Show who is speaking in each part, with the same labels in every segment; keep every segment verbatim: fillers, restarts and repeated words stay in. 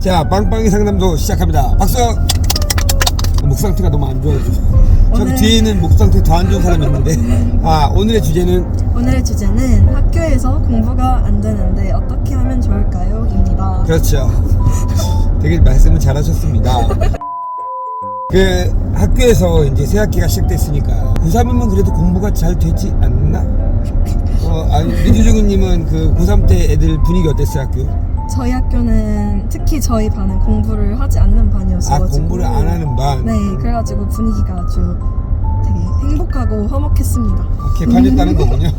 Speaker 1: 자, 빵빵이 상담소 시작합니다. 박수! 목 상태가 너무 안 좋아요. 저기
Speaker 2: 오늘...
Speaker 1: 뒤에는 목 상태 더 안 좋은 사람이 있는데, 아, 오늘의 주제는?
Speaker 2: 오늘의 주제는 학교에서 공부가 안 되는데 어떻게 하면 좋을까요? 입니다.
Speaker 1: 그렇죠. 되게 말씀을 잘하셨습니다. 그 학교에서 이제 새 학기가 시작됐으니까 고삼이면 그래도 공부가 잘 되지 않나? 어, 아니, 민주중님은 그 고삼 때 애들 분위기 어땠어요, 학교?
Speaker 2: 저희 학교는 특히 저희 반은 공부를 하지 않는 반이었어요.
Speaker 1: 아, 공부를 안 하는 반?
Speaker 2: 네, 그래가지고 분위기가 아주 되게 행복하고 화목했습니다.
Speaker 1: 개판이었다는 거군요.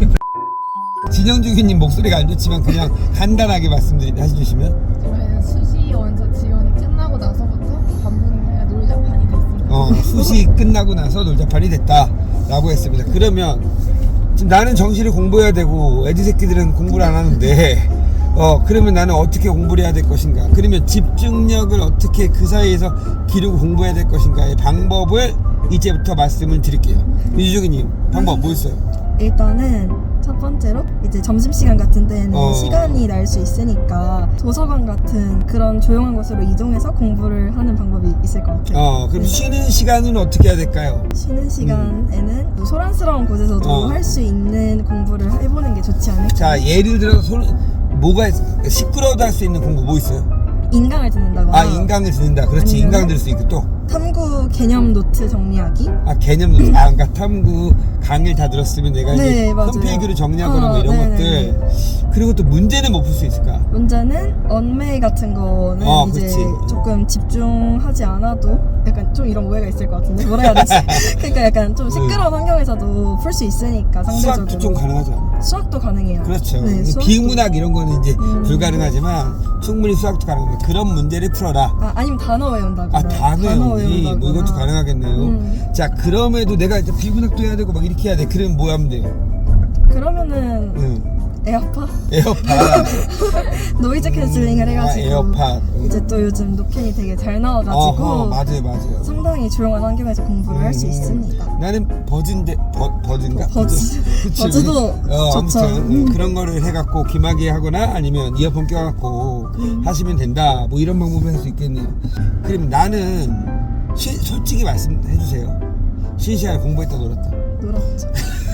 Speaker 1: 진영주기님 목소리가 안 좋지만 그냥 간단하게 말씀드리 해주시면.
Speaker 3: 저희는 수시 원서 지원이 끝나고 나서부터 반분의 놀자판이 됐습니다.
Speaker 1: 어, 수시 끝나고 나서 놀자판이 됐다라고 했습니다. 그러면 지금 나는 정시를 공부해야 되고 애들 새끼들은 공부를 안 하는데 어 그러면 나는 어떻게 공부를 해야 될 것인가? 그러면 집중력을 어떻게 그 사이에서 기르고 공부해야 될 것인가의 방법을 이제부터 말씀을 드릴게요. 민주주기님 방법 뭐 있어요?
Speaker 2: 일단은 첫 번째로 이제 점심시간 같은 데는
Speaker 1: 어.
Speaker 2: 시간이 날 수 있으니까 도서관 같은 그런 조용한 곳으로 이동해서 공부를 하는 방법이 있을 것 같아요.
Speaker 1: 어 그럼
Speaker 2: 네.
Speaker 1: 쉬는 시간은 어떻게 해야 될까요?
Speaker 2: 쉬는 시간에는 또 소란스러운 곳에서도
Speaker 1: 어.
Speaker 2: 할 수 있는 공부를 해보는 게 좋지 않을까.
Speaker 1: 자, 예를 들어서 소, 뭐가 있- 시끄러워도 할 수 있는 공부 뭐 있어요?
Speaker 2: 인강을 듣는다거나
Speaker 1: 아, 인강을 듣는다. 그렇지.
Speaker 2: 아니면은-
Speaker 1: 인강 들을 수 있고 또
Speaker 2: 탐구 개념 노트 정리하기.
Speaker 1: 아, 개념 노트. 아, 그러니까 탐구 강의를 다 들었으면 내가
Speaker 2: 네,
Speaker 1: 이제
Speaker 2: 맞아요.
Speaker 1: 홈페이지를 정리하거나
Speaker 2: 어,
Speaker 1: 뭐 이런
Speaker 2: 네네네.
Speaker 1: 것들. 그리고 또 문제는 못 풀 수 있을까?
Speaker 2: 문제는 언메이 같은 거는
Speaker 1: 어,
Speaker 2: 이제
Speaker 1: 그치.
Speaker 2: 조금 집중하지 않아도 약간 좀 이런 오해가 있을 것 같은데 뭐라 해야 되지? 그러니까 약간 좀 시끄러운 환경에서도 풀 수 있으니까 상대적으로.
Speaker 1: 수학도 좀 가능하지 않아?
Speaker 2: 수학도 가능해요.
Speaker 1: 그렇죠.
Speaker 2: 네, 수학도.
Speaker 1: 비문학 이런 거는 이제
Speaker 2: 음.
Speaker 1: 불가능하지만 충분히 수학도 가능합니다. 그런 문제를 풀어라.
Speaker 2: 아, 아니면 단어 외운다거나.
Speaker 1: 아, 단어 외우기 뭐 이것도
Speaker 2: 외운다거나.
Speaker 1: 가능하겠네요.
Speaker 2: 음.
Speaker 1: 자, 그럼에도 내가 이제 비문학도 해야 되고 막 이렇게 해야 돼. 그러면 뭐 하면 돼요?
Speaker 2: 그러면은
Speaker 1: 응.
Speaker 2: 에어팟?
Speaker 1: 에어팟.
Speaker 2: 노이즈 캔슬링을 해가지고
Speaker 1: 아, 에어팟. 응.
Speaker 2: 이제 또 요즘 노캔이 되게 잘 나와가지고
Speaker 1: 어허, 맞아요, 맞아요.
Speaker 2: 상당히 조용한 환경에서 공부를 할 수
Speaker 1: 음,
Speaker 2: 있습니다.
Speaker 1: 나는 버즈인데 버, 버즈인가?
Speaker 2: 버즈.
Speaker 1: 그치.
Speaker 2: 버즈도
Speaker 1: 어,
Speaker 2: 좋죠.
Speaker 1: 아무튼 음,
Speaker 2: 음.
Speaker 1: 그런 거를 해갖고 귀마개 하거나 아니면 이어폰 껴갖고
Speaker 2: 음.
Speaker 1: 하시면 된다. 뭐 이런 방법을 할 수 있겠네요. 그럼 나는 시, 솔직히 말씀해주세요. 쉬는 시간에 공부했다 놀았다.
Speaker 2: 놀았죠.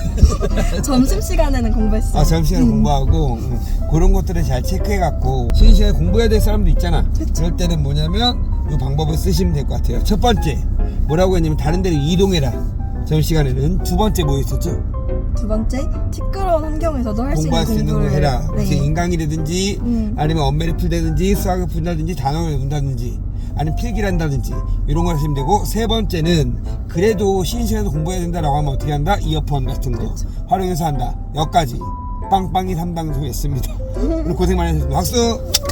Speaker 2: 점심시간에는 공부했어요.
Speaker 1: 아, 점심시간에
Speaker 2: 음.
Speaker 1: 공부하고 음, 그런 것들을 잘 체크해갖고 쉬는 시간에 공부해야 될 사람도 있잖아.
Speaker 2: 그쵸.
Speaker 1: 그럴 때는 뭐냐면 이 방법을 쓰시면 될 것 같아요. 첫 번째 뭐라고 했냐면 다른 데로 이동해라. 점심시간에는. 두 번째 뭐 있었죠?
Speaker 2: 두 번째, 시끄러운 환경에서도 할 수 있는
Speaker 1: 공부할 수 있는 걸
Speaker 2: 공부를
Speaker 1: 해라.
Speaker 2: 네.
Speaker 1: 그래서 인강이라든지
Speaker 2: 음.
Speaker 1: 아니면 언매를 풀다든지 수학을 푼다든지 단어를 외운다든지 아니면 필기를 한다든지 이런 걸 하시면 되고, 세 번째는 그래도 쉬는 시간에도 공부해야 된다라고 하면 어떻게 한다? 이어폰 같은 거
Speaker 2: 그렇죠.
Speaker 1: 활용해서 한다. 여기까지 빵빵이 삼 방송했습니다. 오늘 고생 많이 하셨습니다. 박수!